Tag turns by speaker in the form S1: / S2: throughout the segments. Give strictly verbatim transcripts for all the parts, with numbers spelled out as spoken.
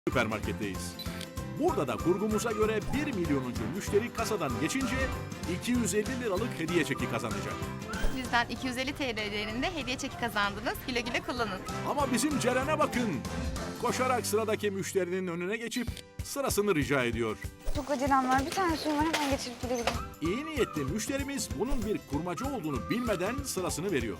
S1: Süpermarketteyiz. Burada da kurgumuza göre bir milyonuncu müşteri kasadan geçince iki yüz elli liralık hediye çeki kazanacak.
S2: Bizden iki yüz elli T L değerinde hediye çeki kazandınız. Güle güle kullanın.
S1: Ama bizim Ceren'e bakın. Koşarak sıradaki müşterinin önüne geçip sırasını rica ediyor.
S3: Çok acelem var. Bir tane suyum var, hemen geçirip gidebilirim.
S1: İyi niyetli müşterimiz bunun bir kurmacı olduğunu bilmeden sırasını veriyor.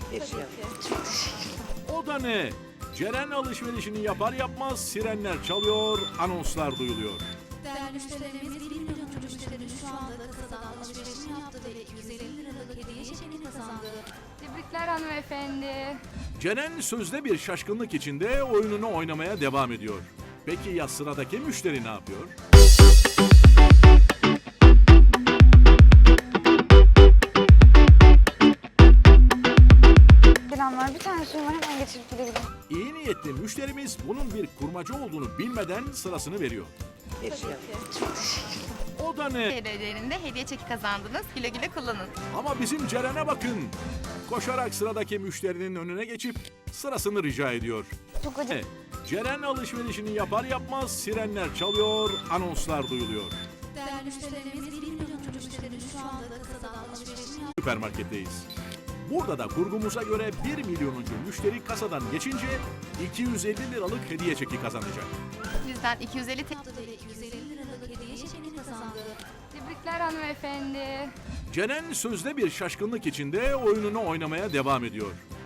S1: O da ne? Ceren alışverişini yapar yapmaz sirenler çalıyor, anonslar duyuluyor.
S4: Değerli müşterilerimiz, bir milyonuncu müşterinin şu anda kasadan alışverişini yaptı ve iki yüz elli liralık hediye çekini kazandı.
S3: Tebrikler hanımefendi.
S1: Ceren sözde bir şaşkınlık içinde oyununu oynamaya devam ediyor. Peki ya sıradaki müşteri ne yapıyor?
S3: Acelem var. Bir tane suyum var, hemen geçirip gidebilirim.
S1: İyi niyetli müşterimiz bunun bir kurmacı olduğunu bilmeden sırasını veriyor. O da ne?
S2: T L değerinde hediye çeki kazandınız. Güle güle kullanın.
S1: Ama bizim Ceren'e bakın. Koşarak sıradaki müşterinin önüne geçip sırasını rica ediyor.
S3: Çok acele...
S1: E, Ceren alışverişini yapar yapmaz sirenler çalıyor, anonslar duyuluyor.
S4: Değerli müşterilerimiz, bir milyonuncu müşterinin şu anda kasadan alışverişini yaptı.
S1: Süpermarketteyiz. Burada da kurgumuza göre bir milyonuncu müşteri kasadan geçince iki yüz elli liralık hediye çeki kazanacak.
S2: Bizden iki yüz elli T L
S4: Ve iki yüz elli liralık hediye çekini kazandı.
S3: Tebrikler hanımefendi.
S1: Ceren sözde bir şaşkınlık içinde oyununu oynamaya devam ediyor.